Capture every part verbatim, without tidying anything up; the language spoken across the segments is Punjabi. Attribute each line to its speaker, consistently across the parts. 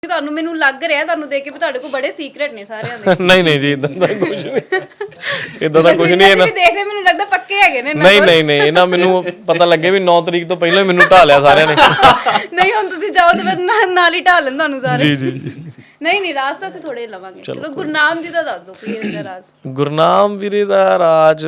Speaker 1: ਤੁਹਾਨੂੰ ਮੈਨੂੰ ਲੱਗ ਰਿਹਾ ਤੁਹਾਨੂੰ ਦੇਖ ਕੇ ਵੀ ਤੁਹਾਡੇ ਕੋਲ ਬੜੇ ਸੀਕ੍ਰੇਟ ਨੇ ਸਾਰਿਆਂ ਦੇ।
Speaker 2: ਨਹੀਂ ਨਹੀਂ ਜੀ, ਇਦਾਂ ਦਾ ਕੁਝ ਨਹੀਂ, ਇਦਾਂ ਦਾ ਕੁਝ ਨਹੀਂ। ਇਹਨਾਂ
Speaker 1: ਵੀ ਦੇਖ ਰਹੇ ਮੈਨੂੰ ਲੱਗਦਾ ਪੱਕੇ ਹੈਗੇ ਨੇ।
Speaker 2: ਨਹੀਂ ਨਹੀਂ ਨਹੀਂ, ਇਹਨਾਂ ਮੈਨੂੰ ਪਤਾ ਲੱਗੇ ਵੀ ਨੌ ਤਰੀਕ ਤੋਂ ਪਹਿਲਾਂ ਮੈਨੂੰ ਢਾ ਲਿਆ ਸਾਰਿਆਂ ਨੇ।
Speaker 1: ਨਹੀਂ ਹੁਣ ਤੁਸੀਂ ਜਾਓ ਤੇ ਫਿਰ ਨਾਲ ਹੀ ਢਾਲਣ ਤੁਹਾਨੂੰ ਸਾਰੇ।
Speaker 2: ਜੀ ਜੀ ਜੀ।
Speaker 1: ਨਹੀਂ ਨਹੀਂ, ਰਾਜ ਤਾਂ ਅਸੀਂ ਥੋੜੇ ਲਵਾਂਗੇ। ਚਲੋ ਗੁਰਨਾਮ ਜੀ ਦਾ ਦੱਸ ਦਿਓ ਕੀ ਇਹਦਾ ਰਾਜ।
Speaker 2: ਗੁਰਨਾਮ ਵੀਰੇ ਦਾ ਰਾਜ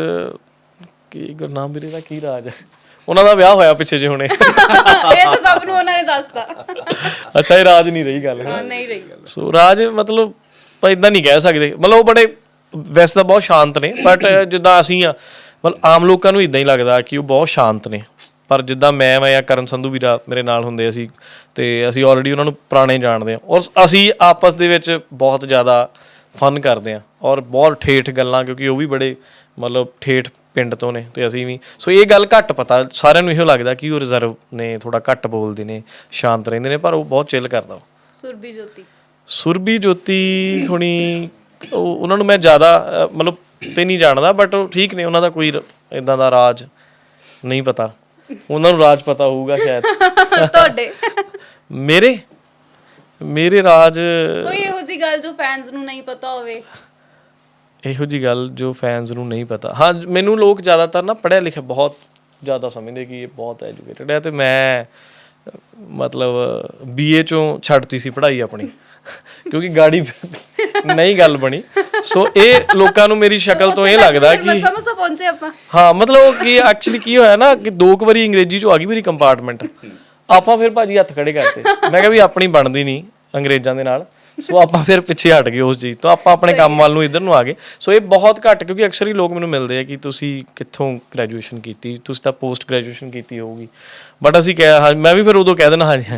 Speaker 2: ਕੀ? ਗੁਰਨਾਮ ਵੀਰੇ ਦਾ ਕੀ ਰਾਜ ਹੈ? ਉਹਨਾਂ ਦਾ ਵਿਆਹ ਹੋਇਆ ਪਿੱਛੇ ਜੇ ਹੁਣੇ।
Speaker 1: ਇਹ ਤਾਂ ਸਭ ਨੂੰ ਉਹਨਾਂ ਨੇ ਦੱਸਤਾ।
Speaker 2: ਅੱਛਾ, ਇਹ ਰਾਜ ਨਹੀਂ ਰਹੀ ਗੱਲ।
Speaker 1: ਹਾਂ ਨਹੀਂ ਰਹੀ।
Speaker 2: ਸੋ ਰਾਜ ਮਤਲਬ ਆਪਾਂ ਇਦਾਂ ਨਹੀਂ ਕਹਿ ਸਕਦੇ। ਮਤਲਬ ਉਹ ਬੜੇ ਵੈਸੇ ਤਾਂ ਬਹੁਤ ਸ਼ਾਂਤ ਨੇ, ਬਟ ਜਿੱਦਾਂ ਅਸੀਂ ਆ ਮਤਲਬ ਆਮ ਲੋਕਾਂ ਨੂੰ ਇਦਾਂ ਹੀ ਲੱਗਦਾ ਕਿ ਉਹ ਬਹੁਤ ਸ਼ਾਂਤ ਨੇ, ਪਰ ਜਿੱਦਾਂ ਮੈਂ ਮੈਂ ਜਾਂ ਕਰਨ ਸੰਧੂ ਵੀਰਾ ਮੇਰੇ ਨਾਲ ਹੁੰਦੇ ਅਸੀਂ, ਤੇ ਅਸੀਂ ਆਲਰੇਡੀ ਉਹਨਾਂ ਨੂੰ ਪੁਰਾਣੇ ਜਾਣਦੇ ਹਾਂ, ਔਰ ਅਸੀਂ ਆਪਸ ਦੇ ਵਿੱਚ ਬਹੁਤ ਜ਼ਿਆਦਾ ਫਨ ਕਰਦੇ ਹਾਂ ਔਰ ਬਹੁਤ ਠੇਠ ਗੱਲਾਂ, ਕਿਉਂਕਿ ਉਹ ਵੀ ਬੜੇ ਮਤਲਬ ਠੇਠ ਪਿੰਡ ਤੋਂ ਨੇ ਤੇ ਅਸੀਂ ਵੀ। ਸੋ ਇਹ ਗੱਲ ਘੱਟ ਪਤਾ ਸਾਰਿਆਂ ਨੂੰ ਇਹੋ ਲੱਗਦਾ ਕਿ ਉਹ ਰਿਜ਼ਰਵ ਨੇ, ਥੋੜਾ ਘੱਟ ਬੋਲਦੇ ਨੇ, ਸ਼ਾਂਤ ਰਹਿੰਦੇ ਨੇ, ਪਰ ਉਹ ਬਹੁਤ ਚਿੱਲ ਕਰਦਾ।
Speaker 1: ਸੁਰਬੀ ਜੋਤੀ
Speaker 2: ਸੁਰਬੀ ਜੋਤੀ ਹੁਣੀ ਉਹ ਉਹਨਾਂ ਨੂੰ ਮੈਂ ਜ਼ਿਆਦਾ ਮਤਲਬ ਤੇ ਨਹੀਂ ਜਾਣਦਾ, ਬਟ ਉਹ ਠੀਕ ਨੇ, ਉਹਨਾਂ ਦਾ ਕੋਈ ਇੱਦਾਂ ਦਾ ਰਾਜ ਨਹੀਂ ਪਤਾ। ਉਹਨਾਂ ਨੂੰ ਰਾਜ ਪਤਾ ਹੋਊਗਾ ਸ਼ਾਇਦ।
Speaker 1: ਤੁਹਾਡੇ
Speaker 2: ਮੇਰੇ ਮੇਰੇ ਰਾਜ
Speaker 1: ਕੋਈ ਇਹੋ ਜਿਹੀ ਗੱਲ ਜੋ ਫੈਨਸ ਨੂੰ ਨਹੀਂ ਪਤਾ ਹੋਵੇ?
Speaker 2: ਇਹੋ ਜਿਹੀ ਗੱਲ ਜੋ ਫੈਨਸ ਨੂੰ ਨਹੀਂ ਪਤਾ, ਹਾਂ ਮੈਨੂੰ ਲੋਕ ਜ਼ਿਆਦਾਤਰ ਨਾ ਪੜ੍ਹਿਆ ਲਿਖਿਆ ਬਹੁਤ ਜ਼ਿਆਦਾ ਸਮਝਦੇ ਕਿ ਇਹ ਬਹੁਤ ਐਜੂਕੇਟਡ ਹੈ, ਤੇ ਮੈਂ ਮਤਲਬ ਬੀਏ ਚੋਂ ਛੱਡਤੀ ਸੀ ਪੜ੍ਹਾਈ ਆਪਣੀ ਕਿਉਂਕਿ ਗਾੜੀ ਨਹੀਂ ਗੱਲ ਬਣੀ। ਸੋ ਇਹ ਲੋਕਾਂ ਨੂੰ ਮੇਰੀ ਸ਼ਕਲ ਤੋਂ ਇਹ ਲੱਗਦਾ ਕਿ
Speaker 1: ਸਮਝ ਪਹੁੰਚੇ ਆਪਾਂ। ਹਾਂ
Speaker 2: ਮਤਲਬ ਕਿ ਐਕਚੁਅਲੀ ਕੀ ਹੋਇਆ ਨਾ ਕਿ ਦੋ ਕੁ ਵਾਰੀ ਅੰਗਰੇਜ਼ੀ ਚੋਂ ਆ ਗਈ ਮੇਰੀ ਕੰਪਾਰਟਮੈਂਟ, ਆਪਾਂ ਫਿਰ ਭਾਜੀ ਹੱਥ ਖੜੇ ਕਰਤੇ। ਮੈਂ ਕਿਹਾ ਵੀ ਆਪਣੀ ਬਣਦੀ ਨਹੀਂ ਅੰਗਰੇਜ਼ਾਂ ਦੇ ਨਾਲ, ਸੋ ਆਪਾਂ ਫਿਰ ਪਿੱਛੇ ਹਟ ਗਏ ਉਸ ਚੀਜ਼ ਤੋਂ, ਆਪਾਂ ਆਪਣੇ ਕੰਮ ਵੱਲ ਨੂੰ ਇੱਧਰ ਨੂੰ ਆ ਗਏ। ਸੋ ਇਹ ਬਹੁਤ ਘੱਟ, ਕਿਉਂਕਿ ਅਕਸਰ ਹੀ ਲੋਕ ਮੈਨੂੰ ਮਿਲਦੇ ਆ ਕਿ ਤੁਸੀਂ ਕਿੱਥੋਂ ਗ੍ਰੈਜੂਏਸ਼ਨ ਕੀਤੀ, ਤੁਸੀਂ ਤਾਂ ਪੋਸਟ ਗ੍ਰੈਜੂਏਸ਼ਨ ਕੀਤੀ ਹੋਊਗੀ, ਬਟ ਅਸੀਂ ਕਿਹਾ ਹਾਂ, ਮੈਂ ਵੀ ਫਿਰ ਉਦੋਂ ਕਹਿ ਦੇਣਾ ਹਾਂਜੀ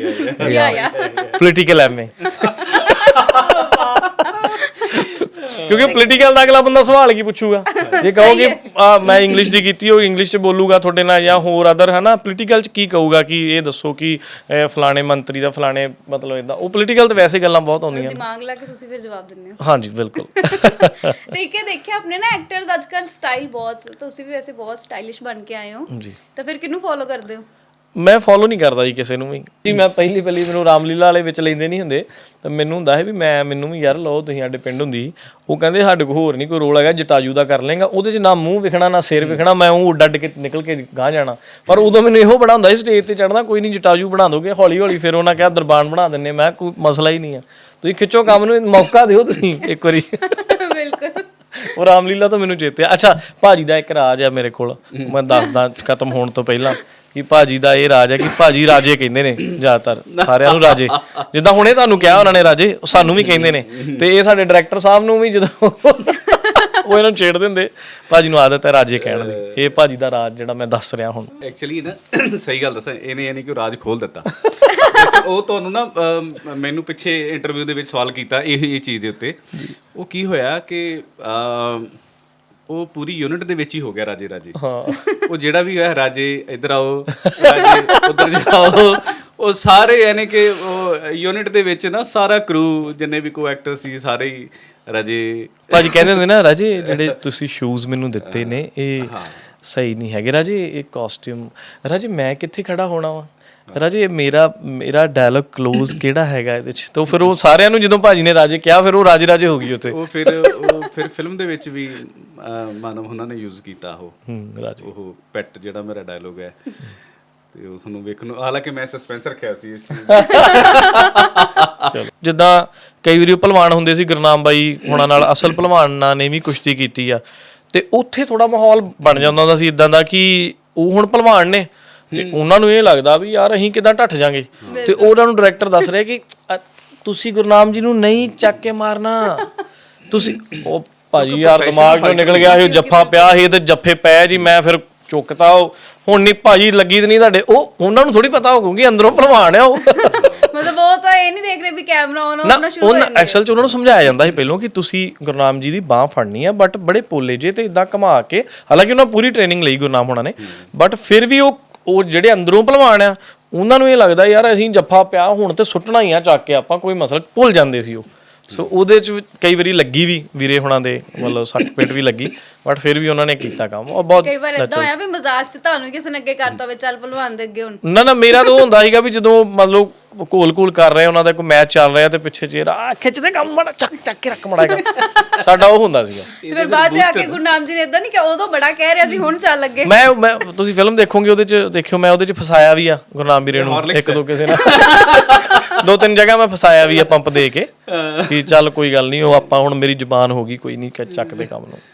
Speaker 2: ਹਾਂਜੀ ਪੋਲੀਟੀਕਲ ਐਮ ਏ, ਕਿਉਂਕਿ ਪੋਲੀਟੀਕਲ ਦਾ ਅਗਲਾ ਬੰਦਾ ਸਵਾਲ ਕੀ ਪੁੱਛੂਗਾ ਜੇ ਕਹੋਗੇ ਮੈਂ ਇੰਗਲਿਸ਼ ਦੀ ਕੀਤੀ ਹੋਈ, ਇੰਗਲਿਸ਼ 'ਚ ਬੋਲੂਗਾ ਤੁਹਾਡੇ ਨਾਲ, ਜਾਂ ਹੋਰ ਅਦਰ ਹੈ ਨਾ, ਪੋਲੀਟੀਕਲ 'ਚ ਕੀ ਕਹੂਗਾ ਕਿ ਇਹ ਦੱਸੋ ਕਿ ਫਲਾਣੇ ਮੰਤਰੀ ਦਾ ਫਲਾਣੇ ਮਤਲਬ ਇੱਦਾਂ। ਉਹ ਪੋਲੀਟੀਕਲ ਤਾਂ ਵੈਸੇ ਗੱਲਾਂ ਬਹੁਤ ਆਉਂਦੀਆਂ,
Speaker 1: ਦਿਮਾਗ ਲਾ ਕੇ ਤੁਸੀਂ ਫਿਰ ਜਵਾਬ ਦਿੰਦੇ ਹੋ।
Speaker 2: ਹਾਂਜੀ ਬਿਲਕੁਲ।
Speaker 1: ਠੀਕ ਹੈ, ਦੇਖਿਆ ਆਪਣੇ ਨਾ ਐਕਟਰਸ ਅੱਜ ਕੱਲ੍ਹ ਸਟਾਈਲ ਬਹੁਤ, ਤੁਸੀਂ ਵੀ ਵੈਸੇ ਬਹੁਤ ਸਟਾਈਲਿਸ਼ ਬਣ ਕੇ ਆਏ ਹੋ
Speaker 2: ਜੀ,
Speaker 1: ਤਾਂ ਫਿਰ ਕਿਹਨੂੰ ਫੋਲੋ ਕਰਦੇ ਹੋ?
Speaker 2: ਮੈਂ ਫੋਲੋ ਨਹੀਂ ਕਰਦਾ ਜੀ ਕਿਸੇ ਨੂੰ ਵੀ ਜੀ। ਮੈਂ ਪਹਿਲੀ ਪਹਿਲੀ ਮੈਨੂੰ ਰਾਮਲੀਲਾ ਵਾਲੇ ਵਿੱਚ ਲੈਂਦੇ ਨਹੀਂ ਹੁੰਦੇ, ਤਾਂ ਮੈਨੂੰ ਹੁੰਦਾ ਹੈ ਵੀ ਮੈਂ ਮੈਨੂੰ ਵੀ ਯਾਰ ਲਓ ਤੁਸੀਂ ਸਾਡੇ ਪਿੰਡ ਹੁੰਦੀ, ਉਹ ਕਹਿੰਦੇ ਸਾਡੇ ਕੋਲ ਹੋਰ ਨਹੀਂ ਕੋਈ ਰੋਲ ਹੈਗਾ, ਜਟਾਜੂ ਦਾ ਕਰ ਲੇਗਾ, ਉਹਦੇ 'ਚ ਨਾ ਮੂੰਹ ਵਿਖਣਾ ਨਾ ਸਿਰ ਵਿਖਣਾ, ਮੈਂ ਉਹ ਉੱਡ ਅੱਡ ਕੇ ਨਿਕਲ ਕੇ ਗਾਂਹ ਜਾਣਾ। ਪਰ ਉਦੋਂ ਮੈਨੂੰ ਇਹੋ ਬੜਾ ਹੁੰਦਾ ਸੀ ਸਟੇਜ 'ਤੇ ਚੜ੍ਹਨਾ, ਕੋਈ ਨਹੀਂ ਜਟਾਜੂ ਬਣਾ ਦੋਗੇ ਹੌਲੀ ਹੌਲੀ, ਫਿਰ ਉਹਨਾਂ ਕਿਹਾ ਦਰਬਾਨ ਬਣਾ ਦਿੰਦੇ। ਮੈਂ ਕੋਈ ਮਸਲਾ ਹੀ ਨਹੀਂ ਆ, ਤੁਸੀਂ ਖਿੱਚੋ ਕੰਮ ਨੂੰ, ਮੌਕਾ ਦਿਓ ਤੁਸੀਂ ਇੱਕ ਵਾਰੀ।
Speaker 1: ਬਿਲਕੁਲ। ਉਹ
Speaker 2: ਰਾਮਲੀਲਾ ਤੋਂ ਮੈਨੂੰ ਚੇਤੇ ਆ। ਅੱਛਾ, ਭਾਜੀ ਦਾ ਇੱਕ ਰਾਜ ਆ ਮੇਰੇ ਕੋਲ, ਮੈਂ ਦੱਸਦਾ ਖਤਮ ਹੋਣ ਤੋਂ ਪਹਿਲਾਂ ਕਿ ਭਾਜੀ ਦਾ ਇਹ ਰਾਜ ਹੈ ਕਿ ਭਾਜੀ ਰਾਜੇ ਕਹਿੰਦੇ ਨੇ ਜ਼ਿਆਦਾਤਰ ਸਾਰਿਆਂ ਨੂੰ, ਰਾਜੇ ਜਿੱਦਾਂ ਹੁਣੇ ਤੁਹਾਨੂੰ ਕਿਹਾ ਉਹਨਾਂ ਨੇ ਰਾਜੇ, ਸਾਨੂੰ ਵੀ ਕਹਿੰਦੇ ਨੇ, ਤੇ ਇਹ ਸਾਡੇ ਡਾਇਰੈਕਟਰ ਸਾਹਿਬ ਨੂੰ ਵੀ ਜਦੋਂ ਉਹ ਇਹਨਾਂ ਨੂੰ ਛੇੜ ਦਿੰਦੇ, ਭਾਜੀ ਨੂੰ ਆਦਤ ਹੈ ਰਾਜੇ ਕਹਿਣ ਦੀ। ਇਹ ਭਾਜੀ ਦਾ ਰਾਜ ਜਿਹੜਾ ਮੈਂ ਦੱਸ ਰਿਹਾ ਹੁਣ।
Speaker 3: ਐਕਚੁਅਲੀ ਨਾ ਸਹੀ ਗੱਲ ਦੱਸਾਂ, ਇਹਨੇ ਇਹ ਨਹੀਂ ਕਿ ਉਹ ਰਾਜ ਖੋਲ ਦਿੱਤਾ। ਉਹ ਤੁਹਾਨੂੰ ਨਾ ਮੈਨੂੰ ਪਿੱਛੇ ਇੰਟਰਵਿਊ ਦੇ ਵਿੱਚ ਸਵਾਲ ਕੀਤਾ ਇਹ ਇਹ ਚੀਜ਼ ਦੇ ਉੱਤੇ, ਉਹ ਕੀ ਹੋਇਆ ਕਿ ਉਹ ਪੂਰੀ ਯੂਨਿਟ ਦੇ ਵਿੱਚ ਹੀ ਹੋ ਗਿਆ ਰਾਜੇ ਰਾਜੇ। ਹਾਂ, ਉਹ ਜਿਹੜਾ ਵੀ ਹੋਇਆ ਰਾਜੇ ਇੱਧਰ ਆਓ, ਰਾਜੇ ਉੱਧਰ ਜਾਓ, ਉਹ ਸਾਰੇ ਯਾਨੀ ਕਿ ਉਹ ਯੂਨਿਟ ਦੇ ਵਿੱਚ ਨਾ ਸਾਰਾ ਕਰੂ ਜਿੰਨੇ ਵੀ ਕੋ ਐਕਟਰ ਸੀ ਸਾਰੇ ਹੀ ਰਾਜੇ। ਭਾਜੀ
Speaker 2: ਕਹਿੰਦੇ ਹੁੰਦੇ ਨਾ, ਰਾਜੇ ਜਿਹੜੇ ਤੁਸੀਂ ਸ਼ੂਜ਼ ਮੈਨੂੰ ਦਿੱਤੇ ਨੇ ਇਹ ਸਹੀ ਨਹੀਂ ਹੈਗੇ ਰਾਜੇ, ਇਹ ਕਾਸਟਿਊਮ ਰਾਜੇ ਮੈਂ ਕਿੱਥੇ ਖੜਾ ਹੋਣਾ ਵਾ ਰਾਜੇ, ਮੇਰਾ ਮੇਰਾ ਡਾਇਲੌਗ ਕਲੋਜ਼ ਕਿਹੜਾ ਹੈਗਾ ਇਹਦੇ 'ਚ। ਤਾਂ ਫਿਰ ਉਹ ਸਾਰਿਆਂ ਨੂੰ ਜਦੋਂ ਭਾਜੀ ਨੇ ਰਾਜੇ ਕਿਹਾ, ਫਿਰ ਉਹ ਰਾਜੇ ਰਾਜੇ ਹੋ ਗਈ ਉੱਥੇ।
Speaker 3: ਉਹ ਫਿਰ ਉਹ ਫਿਰ ਫਿਲਮ ਦੇ ਵਿੱਚ ਵੀ ਮਾਨਵ ਉਹਨਾਂ ਨੇ ਯੂਜ਼ ਕੀਤਾ ਉਹ ਰਾਜੇ, ਉਹ ਪੈਟ ਜਿਹੜਾ ਮੇਰਾ ਡਾਇਲੌਗ ਹੈ, ਤੇ ਉਹ ਤੁਹਾਨੂੰ ਵੇਖਣ ਨੂੰ, ਹਾਲਾਂਕਿ ਮੈਂ ਸਸਪੈਂਸ ਰੱਖਿਆ ਸੀ ਇਸ ਚੀਜ਼ ਦਾ।
Speaker 2: ਜਿੱਦਾਂ ਕਈ ਵਾਰੀ ਭਲਵਾਨ ਹੁੰਦੇ ਸੀ, ਗੁਰਨਾਮ ਬਾਈ ਹੋਣਾ ਨਾਲ ਅਸਲ ਭਲਵਾਨਾਂ ਨੇ ਵੀ ਕੁਸ਼ਤੀ ਕੀਤੀ ਆ, ਤੇ ਉੱਥੇ ਥੋੜਾ ਮਾਹੌਲ ਬਣ ਜਾਂਦਾ ਹੁੰਦਾ ਸੀ ਇਦਾਂ ਦਾ ਕਿ ਉਹ ਹੁਣ ਭਲਵਾਨ ਨੇ ਤੇ ਉਹਨਾਂ ਨੂੰ ਇਹ ਲੱਗਦਾ ਵੀ ਯਾਰ ਅਸੀਂ ਕਿੱਦਾਂ ਢੱਠ ਜਾਾਂਗੇ, ਤੇ ਉਹਨਾਂ ਨੂੰ ਡਾਇਰੈਕਟਰ ਦੱਸ ਰਿਹਾ ਕਿ ਤੁਸੀਂ ਗੁਰਨਾਮ ਜੀ ਨੂੰ ਨਹੀਂ ਚੱਕ ਕੇ ਮਾਰਨਾ, ਤੁਸੀਂ ਉਹ ਭਾਜੀ ਯਾਰ ਦਿਮਾਗ ਚੋਂ ਨਿਕਲ ਗਿਆ ਸੀ, ਜੱਫਾ ਪਿਆ ਸੀ ਤੇ ਜੱਫੇ ਪੈ ਜੀ, ਮੈਂ ਫਿਰ ਚੁੱਕਤਾ। ਉਹ ਹੁਣ ਨਹੀਂ ਭਾਜੀ ਲੱਗੀ ਤੇ ਨਹੀਂ ਤੁਹਾਡੇ, ਉਹ ਉਹਨਾਂ ਨੂੰ ਥੋੜੀ ਪਤਾ ਹੋਊਗੀ ਅੰਦਰੋਂ ਭਲਵਾਨ ਆ ਉਹ।
Speaker 1: ਮਤਲਬ ਉਹ ਤਾਂ ਇਹ ਨਹੀਂ ਦੇਖ ਰਹੇ ਵੀ ਕੈਮਰਾ ਆਨ ਹੋਣਾ ਸ਼ੁਰੂ ਹੋ ਜਾਂਦਾ।
Speaker 2: ਐਕਚੁਅਲ ਚ ਉਹਨਾਂ ਨੂੰ ਸਮਝਾਇਆ ਜਾਂਦਾ ਸੀ ਪਹਿਲਾਂ ਕਿ ਤੁਸੀਂ ਗੁਰਨਾਮ ਜੀ ਦੀ ਬਾਹ ਫੜਨੀ ਆ, ਬਟ ਬੜੇ ਪੋਲੇ ਜੇ ਤੇ ਇਦਾਂ ਘੁਮਾ ਕੇ, ਹਾਲਾਂਕਿ ਉਹਨਾਂ ਪੂਰੀ ਟ੍ਰੇਨਿੰਗ ਲਈ ਗੁਰਨਾਮ ਹੋਣਾ ਨੇ, ਬਟ ਫਿਰ ਵੀ ਉਹ ਉਹ ਜਿਹੜੇ ਅੰਦਰੋਂ ਭਲਵਾਨ ਆ ਉਹਨਾਂ ਨੂੰ ਇਹ ਲੱਗਦਾ ਯਾਰ ਅਸੀਂ ਜੱਫਾ ਪਿਆ ਹੁਣ ਤੇ ਸੁੱਟਣਾ ਹੀ ਆ ਚੱਕ ਕੇ, ਆਪਾਂ ਕੋਈ ਮਸਲਾ ਭੁੱਲ ਜਾਂਦੇ ਸੀ ਉਹ। ਸੋ ਉਹਦੇ ਚ ਵੀ ਕਈ ਵਾਰੀ ਲੱਗੀ ਵੀ ਵੀਰੇ ਹੁਣਾਂ ਦੇ ਮਤਲਬ ਸੱਟ ਪੇਟ ਵੀ ਲੱਗੀ ਬਟ ਫਿਰ ਵੀ ਉਹਨਾਂ ਨੇ ਕੀਤਾ ਕੰਮ ਉਹ ਬਹੁਤ
Speaker 1: ਕਈ ਵਾਰ ਇਦਾਂ ਹੋਇਆ ਵੀ ਮਜ਼ਾਕ 'ਚ ਤੁਹਾਨੂੰ ਕਿਸੇ ਨੇ ਅੱਗੇ ਕਰਤਾ ਹੋਵੇ ਚੱਲ ਭਲਵਾਨ ਦੇ ਅੱਗੇ ਹੁਣ
Speaker 2: ਨਾ ਨਾ ਮੇਰਾ ਤਾਂ ਉਹ ਹੁੰਦਾ ਸੀਗਾ ਵੀ ਜਦੋਂ ਮਤਲਬ ਘੋਲ ਘੋਲ ਕਰ ਰਹੇ ਉਹਨਾਂ ਦਾ ਕੋਈ ਮੈਚ ਚੱਲ ਰਿਹਾ ਤੇ ਪਿੱਛੇ ਚੇਰ ਆ ਖਿੱਚਦੇ ਕੰਮ ਮੜਾ ਚੱਕ ਚੱਕ ਕੇ ਰੱਖ ਮੜਾਗਾ ਸਾਡਾ ਉਹ ਹੁੰਦਾ ਸੀਗਾ
Speaker 1: ਤੇ ਫਿਰ ਬਾਅਦ 'ਚ ਆ ਕੇ ਗੁਰਨਾਮ ਜੀ ਨੇ ਇਦਾਂ ਨਹੀਂ ਕਿ ਉਦੋਂ ਬੜਾ ਕਹਿ ਰਿਹਾ ਸੀ ਹੁਣ ਚੱਲ ਲੱਗੇ
Speaker 2: ਮੈਂ ਮੈਂ ਤੁਸੀਂ ਫਿਲਮ ਦੇਖੋਗੇ ਉਹਦੇ ਚ ਦੇਖਿਓ ਮੈਂ ਉਹਦੇ ਚ ਫਸਾਇਆ ਵੀ ਆ ਗੁਰਨਾਮ ਵੀਰੇ ਨੂੰ ਇੱਕ ਦੋ ਕਿਸੇ ਨਾਲ ਦੋ ਤਿੰਨ ਜਗ੍ਹਾ ਮੈਂ ਫਸਾਇਆ ਵੀ ਆ ਪੰਪ ਦੇ ਕੇ ਕਿ ਚੱਲ ਕੋਈ ਗੱਲ ਨਹੀਂ ਉਹ ਆਪਾਂ ਹੁਣ ਮੇਰੀ ਜ਼ੁਬਾਨ ਹੋ ਗਈ ਕੋਈ ਨਹੀਂ ਚੱਕਦੇ ਕੰਮ ਨੂੰ